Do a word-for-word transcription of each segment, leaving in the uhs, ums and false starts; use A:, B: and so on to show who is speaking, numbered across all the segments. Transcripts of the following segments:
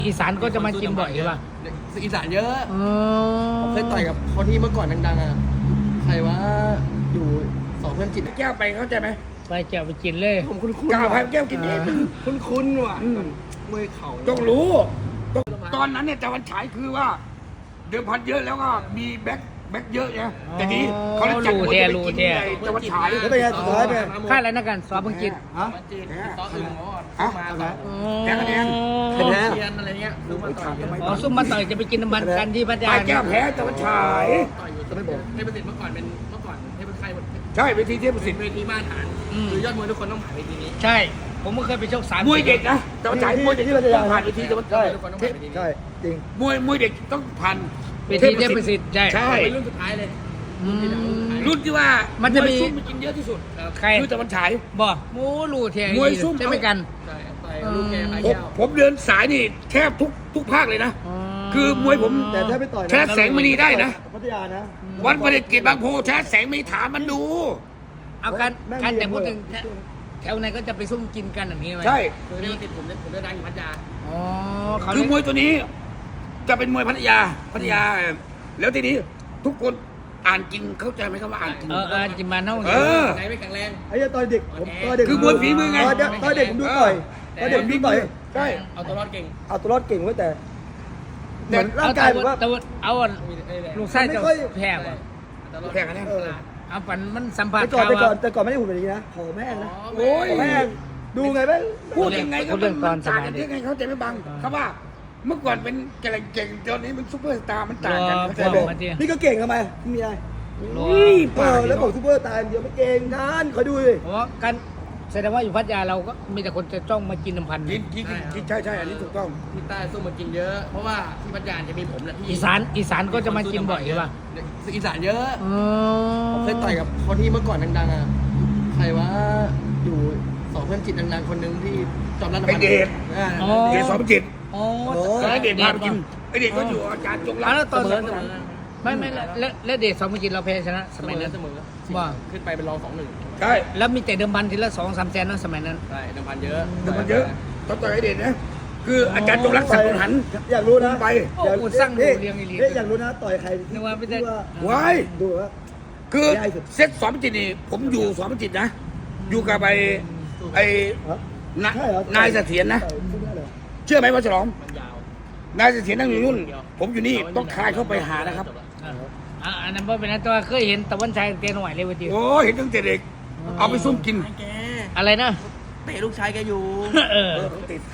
A: อีสานก็จะมากินบ่อยใช่ป่ะ
B: อีสานเยอะผมเคยต่อยกับคนที่เมื่อก่อนดังๆอ่ะใครว่าอยู่สองเพื่อนจิตแก้วไปเข้าใจไหม
A: ไปแก้วไปกินเลย
B: ผมคุ้นๆกาวพายแก้วกินเองคุ้นๆว่ะมวยเข่า
C: ต้องรู้ตอนนั้นเนี่ยแต่วันฉายคือว่าเดิมพันเยอะแล้วก็มีแบ็คแบ็คเยอะไงแต่นี้เขาเลยจัดมวยไปกินในแต่วันฉาย
B: แล้วเป็นไงสุดท้ายเป็น
A: ค่าอะไรนะกันซอเพิ่งกิน
B: ฮะ
C: ซออื่น
B: ฮะ
C: แพ้คะแนน
B: แพ้
C: เทียนอะไรเงี้ยซุ่มมาต่อย
A: อ๋อซุ่มมาต่อยจะไปกินน้ำมันกันที่พัทยา
C: แก้วแพ้แต่วันฉาย
B: ต่อยอยู่จะไม่บอกเทพประสิทธิ์เมื่อก่อนเป็นเมื่อก่อนเทพประสิทธิ์
C: ใช่เวทีเทพประสิทธิ์
B: เวทีมาตรฐานคือยอดมวยทุกคนต้องผ่านเวทีนี้
A: ใช่ผมก็เคยไปชกสาม
C: มวยเด็กนะแต่วันฉายมวยเด็กที่เราจะผ่านเวทีแต่วัน
B: ใช่ใช่จริง
C: มวยมวยเด็กต้องผ่าน
A: เวทีเทพประสิทธิ์ใช่
C: ใช่
B: รุ่นสุดท้ายเลย
C: รุ่นที่ว่า
A: มันจะมี
C: ซุ่มกินเยอะที่สุด
A: ใคร
C: คือแต่วันฉาย
A: บ่หมูลูเทีย
C: มวยซุ่ม
A: ใช่ไหมกัน
B: ใช่ไปลูกแกไป
C: ผมผมเดินสายนี่แทบทุกทุกภาคเลยนะคือมวยผม
B: แต่ถ้าไปต่อย
C: ชนะแสงมณีได้นะ
B: พัทยานะ
C: วันประเด็จเกียรติบางโพชนะแสงมณีถามมันดู
A: เอาการการแต่พูดถึงแถวไหนก็จะไปซุ่มกินกันอย่างนี้ไหม
C: ใช่
B: คือนี่ติดผมผมจะดังอยู่พัทยา
A: อ๋อ
C: คือมวยตัวนี้จะเป็นมวยพัทยาพัทยาแล้วทีนี้ทุกคนอ่านจริงเข้าใจไหมครับว่าอ่านจริง
A: เอออ่านจริงมาเน่า
C: เออ
B: ไหนไม่แข็งแรง
D: ไอ้ตอนเด็กผมตอนเด็ก
C: คือมวยฝีมือไง
D: ตอนเด็กผมดูต่อยตอนเด็กดูต่อย
C: ใช่
B: เอาตัวรอดเก่ง
D: เอาตัวรอดเก่งไว้แต่เหมือนร่างกายแบบว่า
A: เอาลูกไส้จะแพ้ป่ะ
C: แพ้กันแน่
A: เอาปันมันสัมผัส
D: แต่ก่อนแต่ก่อนแต่ก่อนไม่ได้หุ่นแบบนี้นะผอมแม่งนะ
C: โอ้ย
D: แม่งดูไงแม่ง
C: พูดยังไงก็มันต่างกันยังไงเขาใจไม่บังเขาว่าเมื่อก่อนเป็นเก่งเก่งตอนนี้มันซุปเปอร์สตาร์มันต่างกันเข้าใจไหม
D: นี่ก็เก่งทำไมมีอะไรเออแล้วบอกซุปเปอร์สตาร์เดียวไม่เก่งนั่นคอยดูดิ
A: เพราะกันแสดงว่าอยู่พัทยาเราก็มีแต่คนจะจ้องมากินน้ำพันธุ์
C: กินกินกินใช่ใช่อันนี้ถูกต้อง
B: ที่ใต้สู้มากินเยอะเพราะว่าที่พัทยาจะมีผมแหละที่
A: อีสานอีสานก็จะมากินบ่อยใช่ป่ะ
B: อีสานเยอะผมเคยต่อยกับคนที่เมื่อก่อนดังๆอ่ะใครว่าอยู่สองเพื่อนจิตดังๆคนนึงที่จอมรัตน์
C: ไอเดชเดชสองจิต
A: โอ้
C: ไอเดชพาไปกินไอเดชก็อยู่อาจารย์จงรัก
A: แล้วตอนไม่ไม่แล้วแล้วเดชสองกินเราแพ้ชนะสมัยนั้น
B: เสมอ
A: ว่า
B: ขึ้นไปเป็นรองสองหนึ่ง
C: ใช่
A: แล้วมีแต่เดิมพันทีละสองสามแสนนะสมัยนั้น
B: ใช่เดิมพันเยอะ
C: เดิมพันเยอะต้องต่อยไอเดชนะคืออาจารย์จงรักสังหัน
D: อยากรู้นะ
C: ไป
A: อยากสร้างดูเรียงอีลี
D: อยากรู้นะต่อยใคร
A: นึกว่าไม่ได้
C: ว้าย
D: ดูว่า
C: คือเซตสองจิตนี่ผมอยู่สองจิตนะอยู่กับไอไอนายเสถียรนะเชื่อไหมว่าฉลองนายเสถียรนั่งอยู่นู่นผมอยู่นี่ต้องคายเข้าไปหานะครับ
A: อันนั้นเป็นนั้นตัวเคยเห็นตะวันชายเตียนหน่อยเลยวันเดียว
C: โอ้เห็นตั้งแต่เด็กเอาไปซุ่มกิน
A: อะไรนะ
B: เตะลูกชายแกอยู่
A: เออ
C: ติด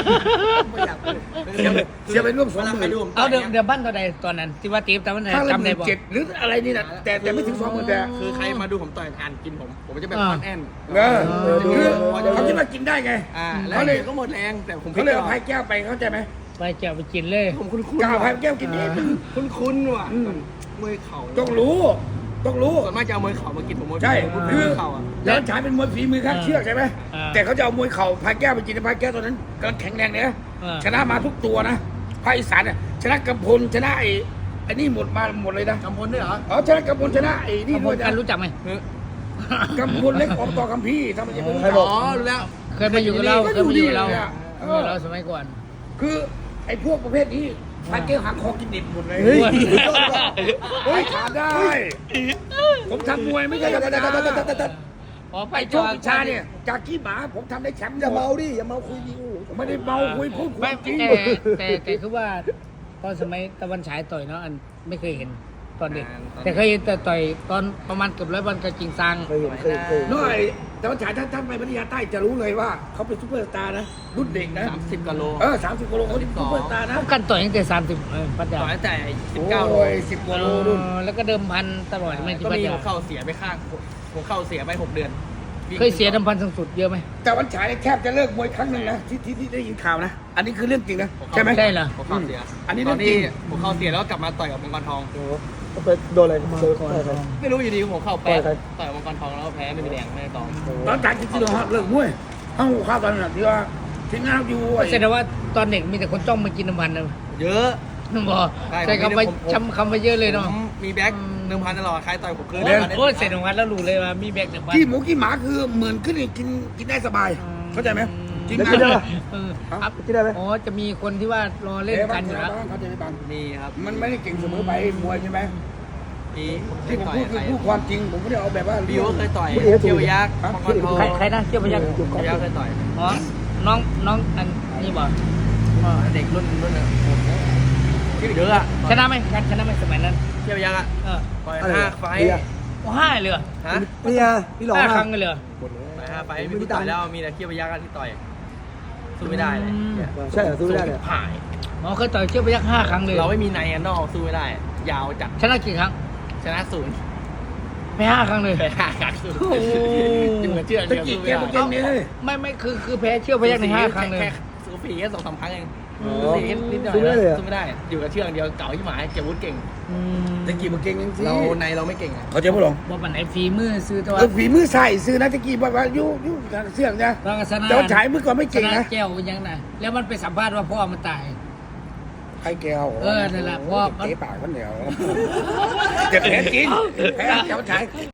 C: เสียไปร่วมสองหมื่น
A: เอาเดี๋ยวเดี๋ยวบ้านตัวใดตอนนั้นที่ว่าตีบตะวันชาย
C: จำได้บ่เจ็ดหรืออะไรนี่นะแต่แต่ไม่ถึงสองหมื่นแต่
B: คือใครมาดูผมต่อยอ่านกินผมผมจะแบบอ่อนแอน
C: เออคือเขาคิดว่ากินได้ไง
B: เขาเลยก็หมดแรงแต่ผม
C: เขาเลยเอาพายแก้วไปเข้าใจไหม
A: ไปแก้วไปกินเลย
B: ผมคุ้น
C: ๆกาวพายแก้วกินเอง
B: คุ้นๆว่ะมวยเข่า
C: ต้องรู้ต้องรู้
B: ส่วนมากจะเอามวยเข่ามากินผมมวย
C: ใช่คือ
B: เข่า
C: แล้วฉายเป็นมวยฝีมือข้างเชือกใช่ไหมแต่เขาจะเอามวยเข่าพายแก้วไปกินพายแก้วตอนนั้นกำลังแข็งแรงเนี่ยชนะมาทุกตัวนะภาคอีสานเนี่ยชนะกำพลชนะไอ้ไอ้นี่หมดมาหมดเลยนะ
B: กำพลด้วยเหรอ
C: อ๋อชนะกำพลชนะไอ้นี่ด้วย
A: กันรู้จักไหม
C: กำพลเล็กออกต่อคำพี่ทำไมจะไม่รู้
B: อ๋อรู้แล้ว
A: เคยมาอยู่กับเราเคยมาอยู่กับเราเราสมัยก่อน
C: คือไอ้พวกประเภทนี้พายแก้วหักคอกินดิบหมดเลยเฮ้ยขาดได้ผมทำมวยไม่ใช่ธรรมดา
A: อ๋อไป
C: โชควิชาเนี่ยจากกี้หมาผมทำได้แชมป์
D: อย่าเมาดิอย่าเมาคุยดิ
C: ผมไม่ได้เมาคุยพูดจริง
A: แต่แต่แต่คือว่าตอนสมัยตะวันฉายต่อยเนาะอันไม่เคยเห็นตอนเด็กแต่เคยเห็นแต่ต่อยตอนประมาณเกือบร้อยวันกับจริงซัง
D: เคยเห็นเคยเคย
C: น้อยแต่ว่าฉายท่านท่านไปพัทยาใต้จะรู้เลยว่าเขาเป็นซุปเปอร์สตาร์นะรุ่นเด็กนะ
B: สามสิบกิโล
C: เออสามสิบกิโลเขาเป็นซุปเปอร์สตาร์นะ
A: กันต่อยตั้งแต่สามสิบพัทยา
B: ต่อยตั้งแต่สิบเก้าโล
C: สิบกิโลรุ่น
A: แล้วก็เดิมพันตลอดไม่ที่
B: พัทยา
A: หัว
B: เข่าเสียไปข้างหัวเข่าเสียไปหกเดือน
A: เคยเสียเดิมพันสูงสุดเยอะไหม
C: แต่วันฉายแทบจะเลิกมวยครั้งหนึ่งนะที่ที่ที่ได้ยินข่าวนะอันนี้คือเรื่องจริงนะใช่ไหม
A: ใช่เหรอ
B: หัวเข่าเสีย
C: อันนี้
B: ตอนนี้หัวเข่าเสียแล้วกลับมาต่อยกับมังกรทอง
D: ไปโดนอะไร
B: ไม่รู้อยู่ดีหัวเข่าแพ้ต่อยกับมังกรทองแล้วแพ้ไม่มีแรงไม่ได้ตอง
C: ตอนจากที่เราเลิกมวยเอ้าข้าวตอนนั้นที่ว่าที่งานอยู่
A: แสดงว่าตอนเด็กมีแต่คนจ้องมากินน้ำพันนะ
B: เยอะ
A: นึกบอกใช่คำไปจำคำไปเยอะเลยเนาะ
B: มีแบ็คเดิมพันตลอดใครต่อยผมคืน
A: โอ้ยเสร็จของพันแล้วรู้เลยว่ามีแบ็คเดิมพัน
C: ที่หมูกี่หมาคือเหมือนขึ้นกินกินได้สบายเข้าใจไหมจริง
D: แล้ว
C: นะ
D: กินได้ปะ
A: เออครับ
D: กินได้ไหม
A: อ๋อจะมีคนที่ว่ารอเล่นกันอยู่แล้ว
C: เขาจะไม่บัง
B: มีครับ
C: มันไม่ได้เก่งเสมอไปมวยใช่ไหม
B: มีเค
C: ที่
B: ย
C: ผม
B: ต่อย
C: พูด
B: ใค
C: คือ
B: ร
C: พูดความจริงผมไม่ได้เอาแบบว่า
B: บิวก็เคยต่อย
D: พูดเองก็ถูก
B: เที่ยวยักษ์มังกรทอง
A: ใครใครนะเชี่ยวพยักษ์
B: เที่ยวยักษ์เคยต่อย
A: อ๋อน้องน้องอันนี้บอก
B: อ๋อเด็กรุ่นรุ่นน่ะเยอะอะ
A: ชนะไหมชนะไหมสมัยนั้น
B: เที่ยวยักษ์อะ
A: เออ
B: ต่อย
D: อะไร
B: ห้า
D: อะ
B: ไฟ
D: เบียร์
A: โอ้ห้าเลยเหรอ
B: ฮะ
D: นี่ไงพี่หลอง
A: ห้า
D: อะ
A: ครั้งเลยเหรอ
B: ต่อยห้าไฟไม่รู้ต่อยแล้วมีแต่เที่ยวยักษ์อะที่ต่อยสู้ไม่ได้เลย
A: อืม
D: ใช่เหรอสู้ไม่ได้เลย
B: ผ่าย
A: อ๋อเคยต่อยเชี่ยวพยักษ์ห้าครั้งเลย
B: เราไม่มีในอันนอกสู้ไม่ได้ ยาวจัด
A: ชนะกี่ครั้ง
B: ชนะศูนย์
A: ไม่ห้าครั้งเลย
B: แพ้ห้าครั้งศูนย์
A: โอ้โห
B: อยู่กับเชื่อ
C: ตะ
B: เดียว
C: กี้
B: สู้
C: แก
B: ไม่
C: มา
B: ได้
C: เก่งเนี่ย
A: ไม่ไม่คือคือแพ้เชี่ยวพยักษ์ในห้าครั้งเลย
B: แค่สู้ฝีแค่สองสามครั้งเอง
D: อ๋อ
B: สู้ฝีนิดหน่อย
D: สู้ไม่ได้เลยเหรอ
B: สู้ไม่ได้ อยู่กับเชือกเดียวเก่าที่หมายเก็บวุฒิเก่ง
A: อืม
C: ตะกี้มาเก่งจริงๆ
B: เราในเราไม่เก่งอะ
C: เขาจะพูดหรอ
A: บอกมันไอ้ฝีมือซื้อตัว
C: เออฝีมือใส่ซื้อนะตะกี้บอกว่าอยู่อยู่กับเสื่องนะ
A: ตอนกับชนะ
C: แต่ว่าฉายมือก่อนไม่เก่ง
A: ช
C: นะ
A: แก้วยังนะแล้วมันไปสัมภาษณ์ว่าพ่อมันตาย
C: ใครแก้ว
A: เออนั่นแหละเพราะ
C: เตะปากมันเดียวจะแพ้จริงแพ้เจ้าชาย